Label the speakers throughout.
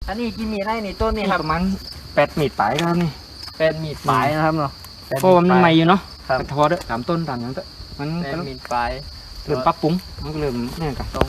Speaker 1: อันนี้กี่มีดได้นี่ต้นนี่ครับ
Speaker 2: ประมาณ8 มีดปลายครับนี่
Speaker 1: เป็นมีดปลายนะครับเนาะ
Speaker 2: เพราะว่ามันใหม่อยู่เนาะ
Speaker 1: ครับ
Speaker 2: ทอเด้อตามต้นตามอย่างเด้อมัน
Speaker 1: เป็นมีดปลาย
Speaker 2: เริ่มปรับปรุงมันก็เริ่มเนี่ยกัน
Speaker 1: ตรง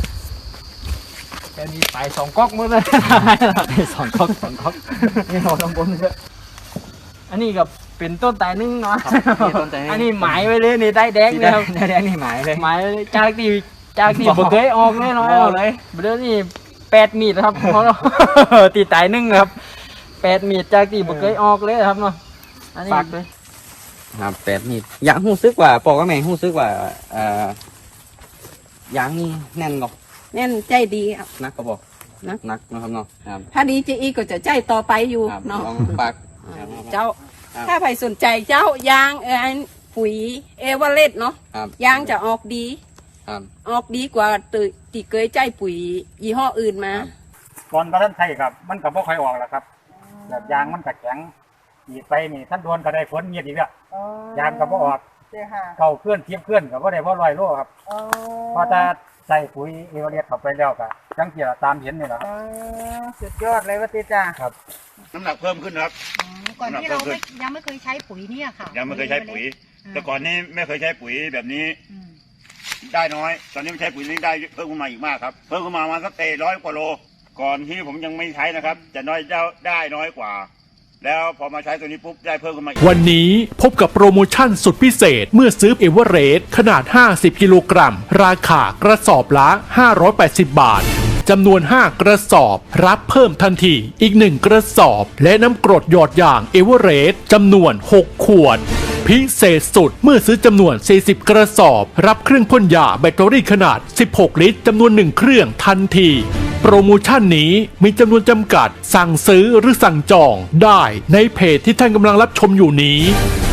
Speaker 1: เป็นมีดปลาย2ก๊อกหมดเลย
Speaker 2: 2 ก๊อก
Speaker 1: นี่เราต้องบนเยอะอันนี้กับเป็นต้นตายนึ่งเนาะ
Speaker 2: นี่ต้นตายนึ่ง
Speaker 1: อันนี้หมายไว้เลยนี่ได้แดงเลยครับ
Speaker 2: แดงนี่หมายเลย
Speaker 1: หมายเลยจากที่บ่เคยออกเลยเนาะ
Speaker 2: เอาเลย
Speaker 1: เดี๋ยวนี้8 มีดครับเพราะเรา ตีตายนึ่งครับ8 มีดจากที่บ่เคยออกเลยครับเนาะอันนี้
Speaker 2: ฝากด้วยครับ8 มีดอยากหู้ซึกว่าปอกกับแม่หู้ซึกว่ายางนี่แน่นก
Speaker 3: แน่นใจดีครับ
Speaker 2: นักก็บอก
Speaker 3: นัก
Speaker 2: นักนะครับเนาะครับ
Speaker 3: ถ้าดีจะอีกก็จะใจต่อไปอยู่
Speaker 2: ครับ
Speaker 3: เนาะ
Speaker 2: ลองฝาก
Speaker 3: เจ้า
Speaker 2: ครับ
Speaker 3: ถ้าใครสนใจเจ้ายางปุ๋ยเอเวอเรสต์เนาะ
Speaker 2: ครับ
Speaker 3: ยางจะออกดี
Speaker 2: ครับ
Speaker 3: ออกดีกว่าตีเกยใจปุ๋ยยี่ห้ออื่นมา
Speaker 2: ครับ
Speaker 4: ตอนท่านไทยครับ มันก็บ่ค่อยออกแล้วครับแบบยางมันก็แข็งอีกไปนี่ท่านโดนก็ได้ฝนเงียบอีกแล้วยางก็บ่ออกเก่าเคลื่อนเทียบเคลื่อนก็บ่ได้บ่100 โลครับพอถ้าใส่ปุ๋ยเอเวอเรสต์เข้าไปแล้วก็จังเกี่ยวตามเห็นนี่แหละครับ
Speaker 5: สุดยอดเลยว่าติจ้า
Speaker 6: น้ำหนักเพิ่มขึ้นครับ
Speaker 5: ก่อนที่เรายังไม่เคยใช้ปุ๋ยเนี่ยค่ะ
Speaker 6: ยังไม่เคยใช้ปุ๋ย แต่ก่อนนี้ไม่เคยใช้ปุ๋ยแบบนี้
Speaker 5: อืม
Speaker 6: ได้น้อย ตอนนี้ไม่ใช้ปุ๋ยนี้ได้เพิ่มขึ้นมาอีกมากครับ เพิ่มขึ้นมาประมาณสัก100 กว่าโล ก่อนที่ผมยังไม่ใช้นะครับ จะน้อยได้น้อยกว่า แล้วพอมาใช้ตัวนี้ปุ๊บได้เพิ่มขึ้นมาอีก
Speaker 7: วันนี้พบกับโปรโมชั่นสุดพิเศษเมื่อซื้อเอเวอเรสต์ขนาด 50 กิโลกรัม ราคากระสอบละ 580 บาท จำนวน 5 กระสอบ รับเพิ่มทันทีอีก 1 กระสอบ และน้ำกรดหยอดอย่างเอเวอเรสต์จำนวน 6 ขวด พิเศษสุดเมื่อซื้อจำนวน 40 กระสอบ รับเครื่องพ่นยาแบตเตอรี่ขนาด 16 ลิตรจำนวน 1 เครื่องทันที โปรโมชั่นนี้มีจำนวนจำกัดสั่งซื้อหรือสั่งจองได้ในเพจที่ท่านกำลังรับชมอยู่นี้